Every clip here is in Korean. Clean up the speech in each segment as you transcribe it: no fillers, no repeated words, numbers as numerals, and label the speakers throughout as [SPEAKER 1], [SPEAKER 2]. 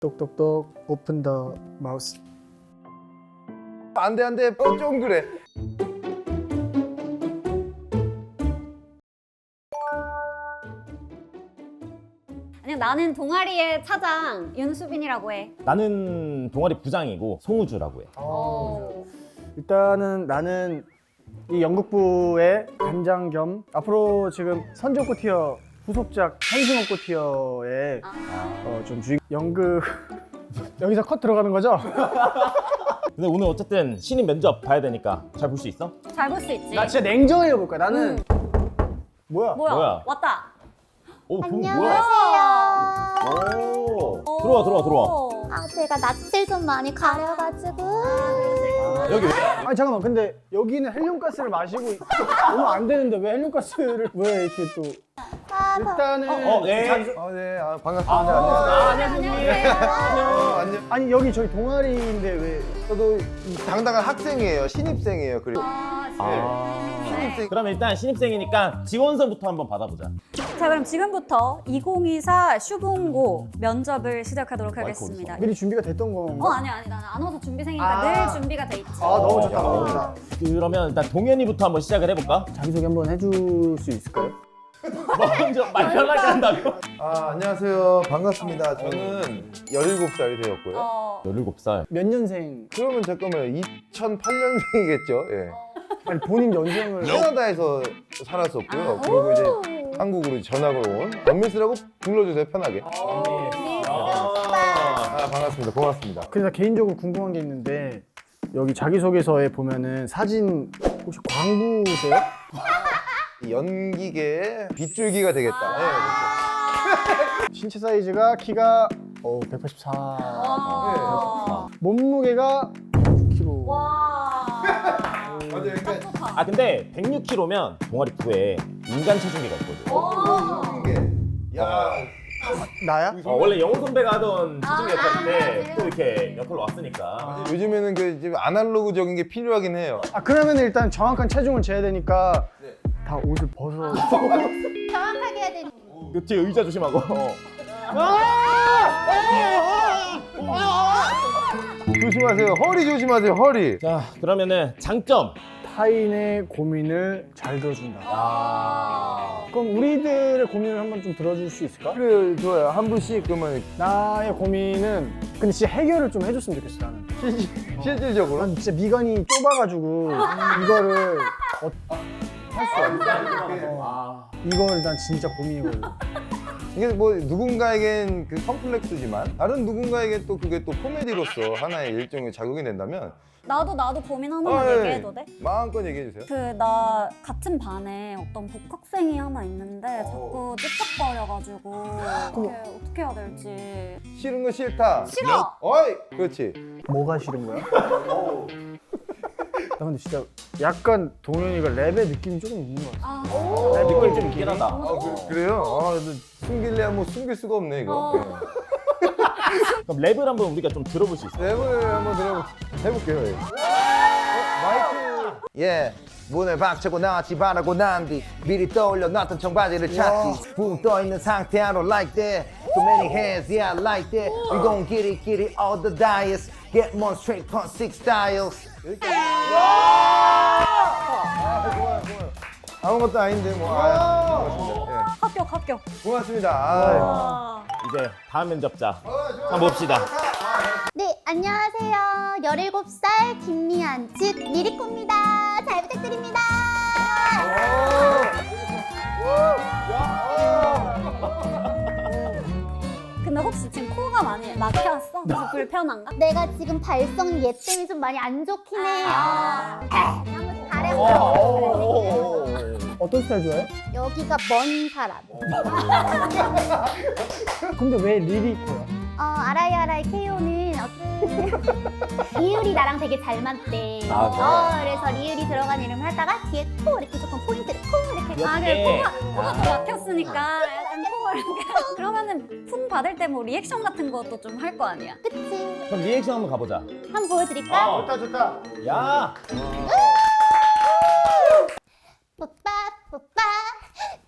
[SPEAKER 1] 똑똑똑 오픈 더 마우스.
[SPEAKER 2] 안돼 좀 그래.
[SPEAKER 3] 아니 나는 동아리의 차장 윤수빈이라고 해.
[SPEAKER 4] 나는 동아리 부장이고 송우주라고 해.
[SPEAKER 1] 일단은 나는 이 연극부의 단장 겸 앞으로 지금 선조코 티어 후속작 한승옥고 티어의 좀 주의 연극 여기서 컷 들어가는 거죠?
[SPEAKER 4] 근데 오늘 어쨌든 신입 면접 봐야 되니까 잘 볼 수 있어?
[SPEAKER 3] 잘 볼 수 있지.
[SPEAKER 1] 나 진짜 냉정하게 볼 거야. 나는 뭐야?
[SPEAKER 3] 뭐야? 왔다.
[SPEAKER 4] 오, 그럼
[SPEAKER 5] 안녕하세요.
[SPEAKER 4] 오, 들어와.
[SPEAKER 5] 아, 제가 낯을 좀 많이 가려가지고.
[SPEAKER 4] 여기 왜?
[SPEAKER 1] 아니 잠깐만, 근데 여기는 헬륨가스를 마시고 오면 안 되는데 왜 헬륨가스를 왜 이렇게 또 일단은
[SPEAKER 4] 네.
[SPEAKER 2] 네, 반갑습니다.
[SPEAKER 3] 안녕하세요.
[SPEAKER 2] 안녕.
[SPEAKER 1] 아니 여기 저희 동아리인데 왜
[SPEAKER 2] 저도 당당한 학생이에요. 신입생이에요. 그리고
[SPEAKER 4] 신입생. 그럼 일단 신입생이니까 지원서부터 한번 받아보자.
[SPEAKER 3] 자 그럼 지금부터 2024 슈붕고 면접을 시작하도록 하겠습니다.
[SPEAKER 1] 미리 준비가 됐던 건가?
[SPEAKER 3] 아니 나는 안 와서 준비생이니까 늘 준비가 돼 있지.
[SPEAKER 1] 너무 좋다, 너무 좋다.
[SPEAKER 4] 그러면 일단 동현이부터 한번 시작을 해볼까?
[SPEAKER 1] 자기소개 한번 해줄 수 있을까요?
[SPEAKER 4] 먼저 말 편하게 한다고?
[SPEAKER 2] 안녕하세요. 반갑습니다. 저는 17살이 되었고요.
[SPEAKER 4] 17살.
[SPEAKER 1] 몇 년생?
[SPEAKER 2] 그러면 잠깐만요. 2008년생이겠죠. 예.
[SPEAKER 1] 아니 본인 연생을
[SPEAKER 2] 캐나다에서 살았었고요. 그리고 이제 한국으로 전학을 온 원미스라고 불러주세요. 편하게. 반갑습니다. 고맙습니다.
[SPEAKER 1] 그래서 개인적으로 궁금한 게 있는데 여기 자기소개서에 보면은 사진 혹시 광부세요?
[SPEAKER 2] 연기계의 빗줄기가 되겠다. 네,
[SPEAKER 1] 신체 사이즈가 키가 184, 몸무게가 106kg.
[SPEAKER 2] 맞아요. 그러니까
[SPEAKER 4] 아 근데 106kg면 동아리 부에 인간 체중계가 있거든.
[SPEAKER 2] 야,
[SPEAKER 1] 나야?
[SPEAKER 4] 원래 영호 선배가 하던 체중계였는데 또 이렇게 역할로 왔으니까.
[SPEAKER 2] 요즘에는 그 이제 아날로그적인 게 필요하긴 해요.
[SPEAKER 1] 그러면 일단 정확한 체중을 재야 되니까 다 옷을 벗어.
[SPEAKER 5] 정확하게 해야 되는.
[SPEAKER 4] 그 뒤에 의자 조심하고.
[SPEAKER 2] 조심하세요. 허리 조심하세요. 허리.
[SPEAKER 4] 자 그러면은 장점.
[SPEAKER 1] 타인의 고민을 잘 들어준다. 그럼 우리들의 고민을 한번 좀 들어줄 수 있을까?
[SPEAKER 2] 그래, 좋아요. 한 분씩 그러면
[SPEAKER 1] 나의 고민은 근데 진짜 해결을 좀 해줬으면 좋겠어 나는.
[SPEAKER 2] 실질적으로.
[SPEAKER 1] 난 진짜 미간이 좁아가지고 이거를 할 수 없어. 이거를 난 진짜 고민이거든.
[SPEAKER 2] 이게 뭐 누군가에겐 그 컴플렉스지만 다른 누군가에겐 또 그게 또 코미디로서 하나의 일종의 자극이 된다면
[SPEAKER 3] 나도 고민 하나만 얘기해도 돼?
[SPEAKER 2] 마음껏 얘기해 주세요.
[SPEAKER 3] 그 나 같은 반에 어떤 복학생이 하나 있는데 자꾸 찝쩍거려가지고 어떻게 해야 될지.
[SPEAKER 2] 싫은 거 싫다.
[SPEAKER 3] 싫어!
[SPEAKER 2] 어이! 그렇지.
[SPEAKER 1] 뭐가 싫은 거야? 나 근데 진짜 약간 동현이가 랩의 느낌이 조금 있는 것 같아.
[SPEAKER 4] 랩 느낌 좀 있긴 하다.
[SPEAKER 2] 그래요? 숨길래 뭐 숨길 수가 없네 이거. 네.
[SPEAKER 4] 그럼 랩을 한번 우리가 좀 들어볼 수 있어?
[SPEAKER 2] 랩을 한번 해볼게요. 예. 마이크. 예. 문을 박차고 나왔지 바라고 난 뒤 미리 떠올려 놨던 청바지를 찾지 붕 떠있는 상태 I don't like that Too many hands yeah I like that We gon' get it all the diets Get more straight from six styles 좋아요. 아무것도 아닌데 뭐 고맙습니다.
[SPEAKER 3] 합격.
[SPEAKER 2] 고맙습니다.
[SPEAKER 4] 이제 다음 면접자 한번 봅시다.
[SPEAKER 5] 네, 안녕하세요. 17살 김미안, 즉 미리코입니다. 잘 부탁드립니다.
[SPEAKER 3] 근데 혹시 지금 코가 많이 막혔어? 그래서 불편한가?
[SPEAKER 5] 내가 지금 발성 얘 때문에 좀 많이 안 좋긴 해. 한번 잘해보자.
[SPEAKER 1] 어떤 스타일 좋아해?
[SPEAKER 5] 여기가 먼 사람.
[SPEAKER 1] 근데 왜 리리코야?
[SPEAKER 5] 아라이 KO는 리을이 나랑 되게 잘 맞대. 그래서 리을이 들어간 이름을 하다가 뒤에 코 이렇게 조금 포인트를 코 이렇게.
[SPEAKER 3] 그래 코가 더 막혔으니까 약간 코가 이렇게. 그러면은 풍 받을 때 뭐 리액션 같은 것도 좀 할 거 아니야?
[SPEAKER 5] 그치?
[SPEAKER 4] 그럼 리액션 한번 가보자.
[SPEAKER 5] 한번 보여드릴까?
[SPEAKER 2] 좋다.
[SPEAKER 4] 야!
[SPEAKER 5] 뽀빠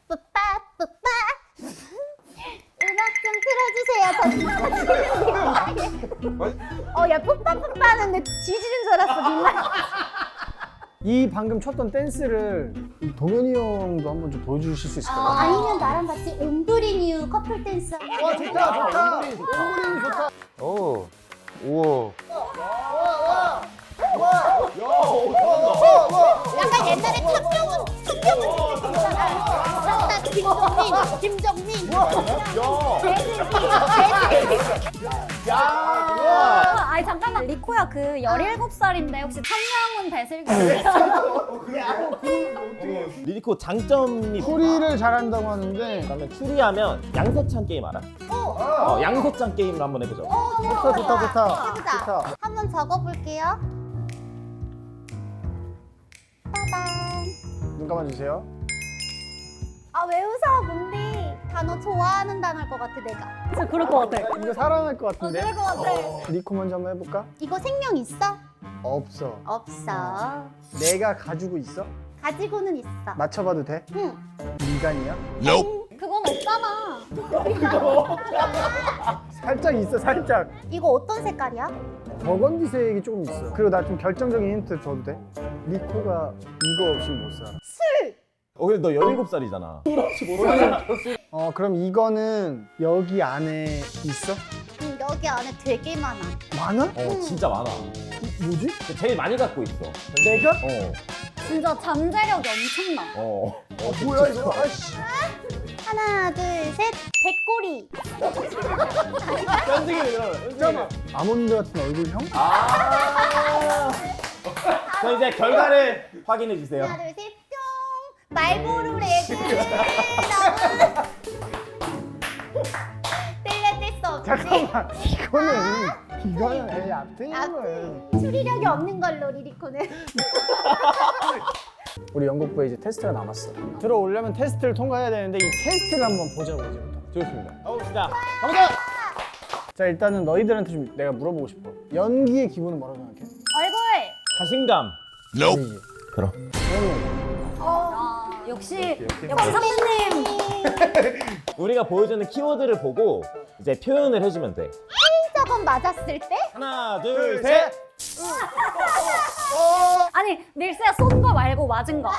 [SPEAKER 5] 음악 좀 틀어주세요. 저 진짜 야 뽀빠뽀빠 하는데 뒤지는 줄 알았어 정말.
[SPEAKER 1] 이 방금 췄던 댄스를 이 동현이 형도 한번 좀 보여주실 수 있을까요?
[SPEAKER 5] 아니면 나랑 같이 옴브리뉴 커플 댄스.
[SPEAKER 1] 와 좋다. 옹골이 좋다.
[SPEAKER 2] 오. 우와.
[SPEAKER 5] 약간 옛날에 탑병은 있잖아. 김정민.
[SPEAKER 3] 아니 잠깐만 리코야 그 17살인데 혹시 천명훈 배슬기
[SPEAKER 4] 리리코 장점이
[SPEAKER 1] 소리를 잘한다고 하는데
[SPEAKER 4] 그러면 추리하면 양세찬 게임 알아? 양세찬 게임을 한번 해보자.
[SPEAKER 1] 좋다.
[SPEAKER 5] 해보자. 한번 적어볼게요. 따단.
[SPEAKER 1] 눈 감아주세요.
[SPEAKER 5] 아 왜 웃어 뭔데? 단어 좋아하는 단어일 것 같아 내가.
[SPEAKER 3] 진짜 그럴 것 같아.
[SPEAKER 1] 이거 살아날 것 같은데?
[SPEAKER 3] 그럴 것 같아.
[SPEAKER 1] 리코 먼저 한번 해볼까?
[SPEAKER 5] 이거 생명 있어?
[SPEAKER 1] 없어.
[SPEAKER 5] 없어.
[SPEAKER 1] 내가 가지고 있어?
[SPEAKER 5] 가지고는 있어.
[SPEAKER 1] 맞춰봐도 돼?
[SPEAKER 5] 응.
[SPEAKER 1] 미간이야?
[SPEAKER 3] 그건 없잖아.
[SPEAKER 1] 살짝 있어 살짝.
[SPEAKER 5] 이거 어떤 색깔이야?
[SPEAKER 1] 버건디색이 조금 있어. 그리고 나 좀 결정적인 힌트 줘도 돼? 리코가 이거 없이 못 살아.
[SPEAKER 4] 근데 너 17살이잖아.
[SPEAKER 1] 그럼 이거는 여기 안에 있어?
[SPEAKER 5] 응, 여기 안에 되게 많아.
[SPEAKER 1] 많아?
[SPEAKER 4] 진짜 많아.
[SPEAKER 1] 뭐지?
[SPEAKER 4] 제일 많이 갖고 있어.
[SPEAKER 1] 내가?
[SPEAKER 3] 진짜 잠재력이 엄청나.
[SPEAKER 1] 뭐야 이거? 아씨.
[SPEAKER 5] 하나, 둘, 셋. 백골이.
[SPEAKER 1] 잠깐만. 아몬드 같은 얼굴형?
[SPEAKER 4] 자 이제 결과를 확인해 주세요.
[SPEAKER 5] 하나, 둘, 셋. 뿅. 말보루 레드. 뗄래 뗄수 없지.
[SPEAKER 1] 잠깐만. 이거는 애 얕은 거예요.
[SPEAKER 5] 추리력이 없는 걸로 리리코는.
[SPEAKER 1] 우리 연극부에 이제 테스트가 남았어. 들어오려면 테스트를 통과해야 되는데 이 테스트를 한번 보자고 이제부터.
[SPEAKER 4] 좋습니다. 가봅시다.
[SPEAKER 1] 자 일단은 너희들한테 좀 내가 물어보고 싶어. 연기의 기본은 뭐라고 생각해?
[SPEAKER 3] 얼굴.
[SPEAKER 4] 자신감.
[SPEAKER 1] 아니지.
[SPEAKER 4] 그럼.
[SPEAKER 3] 역시 선배님.
[SPEAKER 4] 우리가 보여주는 키워드를 보고 이제 표현을 해주면 돼.
[SPEAKER 5] 저건 맞았을 때?
[SPEAKER 4] 하나, 둘, 셋.
[SPEAKER 3] 아니 밀스야 쏜 거 말고 맞은 거.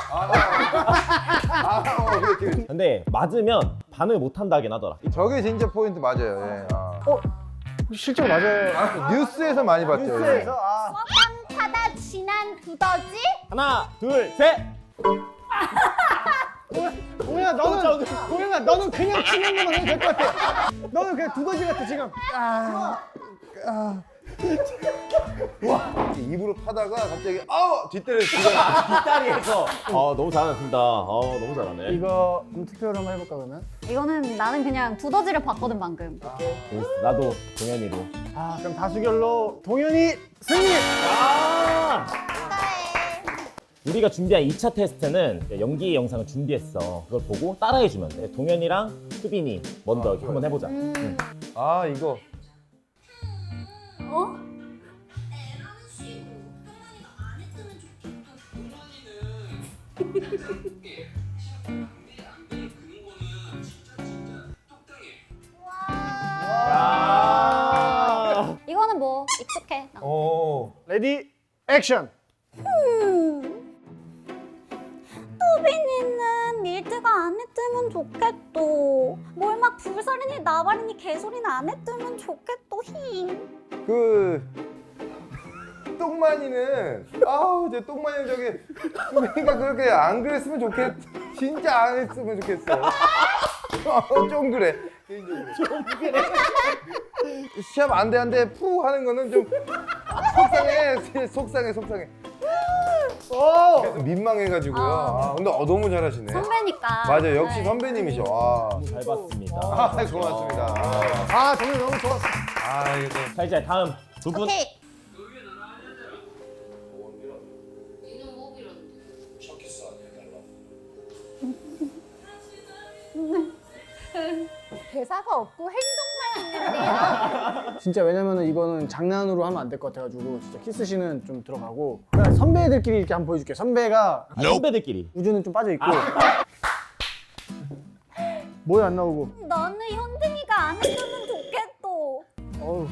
[SPEAKER 4] 근데 맞으면 반응을 못 한다긴 하더라.
[SPEAKER 2] 저게 진짜 포인트 맞아요. 예.
[SPEAKER 1] 실제로 맞아요.
[SPEAKER 2] 뉴스에서 많이 봤죠.
[SPEAKER 1] 뉴스에서
[SPEAKER 5] 빵 타다 진한 두더지?
[SPEAKER 4] 하나, 둘, 셋.
[SPEAKER 1] 동현아 너는 그냥 치는 것만 해도 될 것 같아. 너는 그냥 두더지 같아 지금.
[SPEAKER 2] 입으로 타다가 갑자기 뒷다리를
[SPEAKER 4] 뒷다리에서. 너무 잘하신다. 너무 잘하네.
[SPEAKER 1] 이거 투표를 한번 해볼까 그러면?
[SPEAKER 3] 이거는 나는 그냥 두더지를 봤거든 방금.
[SPEAKER 4] 나도 동현이로.
[SPEAKER 1] 그럼 다수결로 동현이 승리.
[SPEAKER 4] 우리가 준비한 2차 테스트는 연기 영상을 준비했어. 그걸 보고 따라해주면 돼. 동현이랑 수빈이 먼저 한번 해보자.
[SPEAKER 2] 이거
[SPEAKER 3] 어? 이거는 뭐 익숙해. 나.
[SPEAKER 1] 레디 액션.
[SPEAKER 3] 수빈이는 밀드가 안 했으면 좋겠도. 뭘 막 불살이니 나발이니 개소리는 안 했으면 좋겠도 힘.
[SPEAKER 2] 똥만이는 제 똥만이 저기 그러니까 그렇게 안 그랬으면 진짜 안 했으면 좋겠어. 좀 그래. 좀 그래. 시합 안 돼 푸 하는 거는 좀 속상해. 그래서 민망해가지고요. 근데 너무 잘하시네.
[SPEAKER 3] 선배니까.
[SPEAKER 2] 맞아요. 역시
[SPEAKER 3] 네.
[SPEAKER 2] 선배님이셔.
[SPEAKER 4] 잘 봤습니다.
[SPEAKER 2] 고맙습니다.
[SPEAKER 1] 동현 너무 좋았어.
[SPEAKER 2] 이거
[SPEAKER 4] 자 이제 다음 두 분.
[SPEAKER 5] 오케이. 대사가 없고 행동만 있는데요.
[SPEAKER 1] 진짜 왜냐면은 이거는 장난으로 하면 안 될 것 같아가지고 진짜 키스씬은 좀 들어가고. 그냥 선배들끼리 이렇게 한번 보여줄게. 선배가
[SPEAKER 4] 선배들끼리.
[SPEAKER 1] 우주는 좀 빠져 있고. 뭐야 안 나오고.
[SPEAKER 3] 나는 현등이가 안 했으면 좋겠도.
[SPEAKER 1] 어우.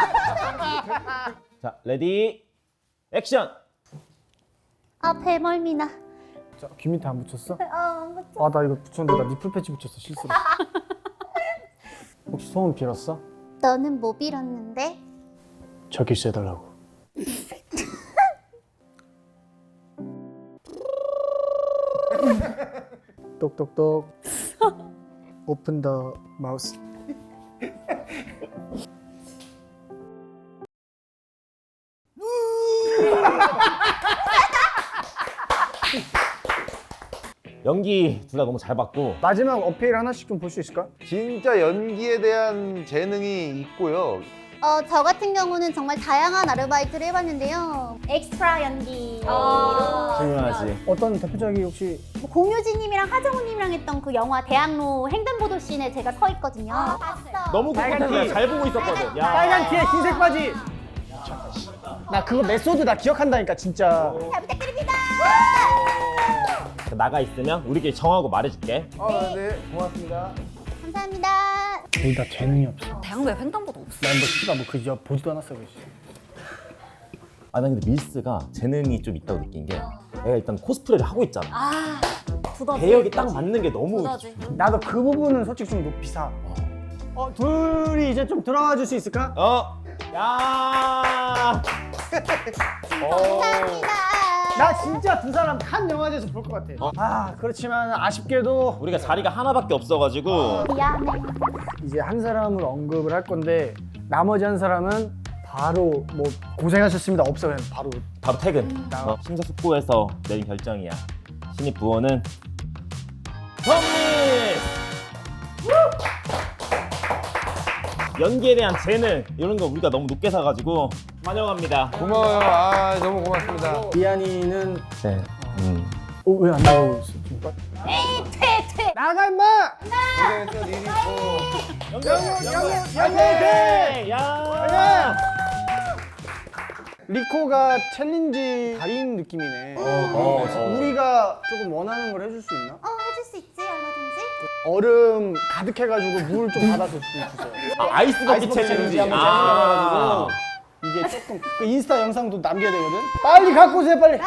[SPEAKER 4] 자, 레디 액션.
[SPEAKER 5] 아 배멀미나.
[SPEAKER 1] 자, 귀 밑에 안 붙였어?
[SPEAKER 5] 안 붙여.
[SPEAKER 1] 아, 나 이거 붙였는데 나 니플 패치 붙였어, 실수로. 혹시 소원 빌었어?
[SPEAKER 5] 너는 뭐 빌었는데?
[SPEAKER 1] 저 글씨 해달라고. 똑똑똑. 오픈 더 마우스.
[SPEAKER 4] 연기 둘 다 너무 잘 봤고
[SPEAKER 1] 마지막 어필 하나씩 좀 볼 수 있을까?
[SPEAKER 2] 진짜 연기에 대한 재능이 있고요.
[SPEAKER 5] 저 같은 경우는 정말 다양한 아르바이트를 해봤는데요. 엑스트라 연기로
[SPEAKER 4] 중요하지.
[SPEAKER 1] 어떤 대표작이 혹시
[SPEAKER 5] 뭐 공효진님이랑 하정우님이랑 했던 그 영화 대학로 횡단보도 씬에 제가 서 있거든요. 봤어.
[SPEAKER 4] 너무 꿋꿋해. 잘 보고 있었거든. 야.
[SPEAKER 1] 빨간 티에 흰색 바지. 나 그거 메소드 나 기억한다니까 진짜.
[SPEAKER 5] 잘 부탁드립니다.
[SPEAKER 4] 나가 있으면 우리끼리 정하고 말해줄게.
[SPEAKER 2] 네, 고맙습니다.
[SPEAKER 5] 감사합니다.
[SPEAKER 1] 거의 다 재능이 없어.
[SPEAKER 3] 대학로에 횡단보도 없어.
[SPEAKER 1] 난뭐 씨가 뭐그 보지도 않았어 그 씨.
[SPEAKER 4] 아, 난 근데 밀스가 재능이 좀 있다고 느낀 게 얘가 일단 코스프레를 하고 있잖아.
[SPEAKER 3] 아, 두더지.
[SPEAKER 4] 배역이 딱 맞는 게 너무
[SPEAKER 3] 두더지.
[SPEAKER 1] 나도 그 부분은 솔직히 좀 높이 사. 둘이 이제 좀 들어와 줄 수 있을까?
[SPEAKER 4] 야.
[SPEAKER 5] 감사합니다.
[SPEAKER 1] 나 진짜 두 사람 한 영화제에서 볼 것 같아. 아 그렇지만 아쉽게도
[SPEAKER 4] 우리가 자리가 하나밖에 없어가지고
[SPEAKER 5] 미안해.
[SPEAKER 1] 이제 한 사람을 언급을 할 건데 나머지 한 사람은 바로 뭐 고생하셨습니다 없어 그냥 바로
[SPEAKER 4] 퇴근. 심사숙고해서 내린 결정이야. 신입 부원은 정리스. 연기에 대한 재능 이런 거 우리가 너무 높게 사가지고 환영합니다.
[SPEAKER 2] 고마워요. 아, 너무 고맙습니다.
[SPEAKER 1] 미안이는
[SPEAKER 4] 네.
[SPEAKER 1] 왜 안 나오고 있어? 좀
[SPEAKER 5] 퇴.
[SPEAKER 1] 나가 임마!
[SPEAKER 2] 고생했어, 리리코.
[SPEAKER 4] 연기. 야.
[SPEAKER 1] 리코가 챌린지 달인 느낌이네. 우리가 조금 원하는 걸 해줄 수 있나?
[SPEAKER 5] 해줄 수 있지 얼마든지.
[SPEAKER 1] 얼음 가득해가지고 물 좀 받아서 주세요.
[SPEAKER 4] 아이스 버킷
[SPEAKER 1] 아이스버킷
[SPEAKER 4] 챌린지.
[SPEAKER 1] 한번 해가지고 이게 조금 그 인스타 영상도 남겨야 되거든. 빨리 갖고 오세요 빨리.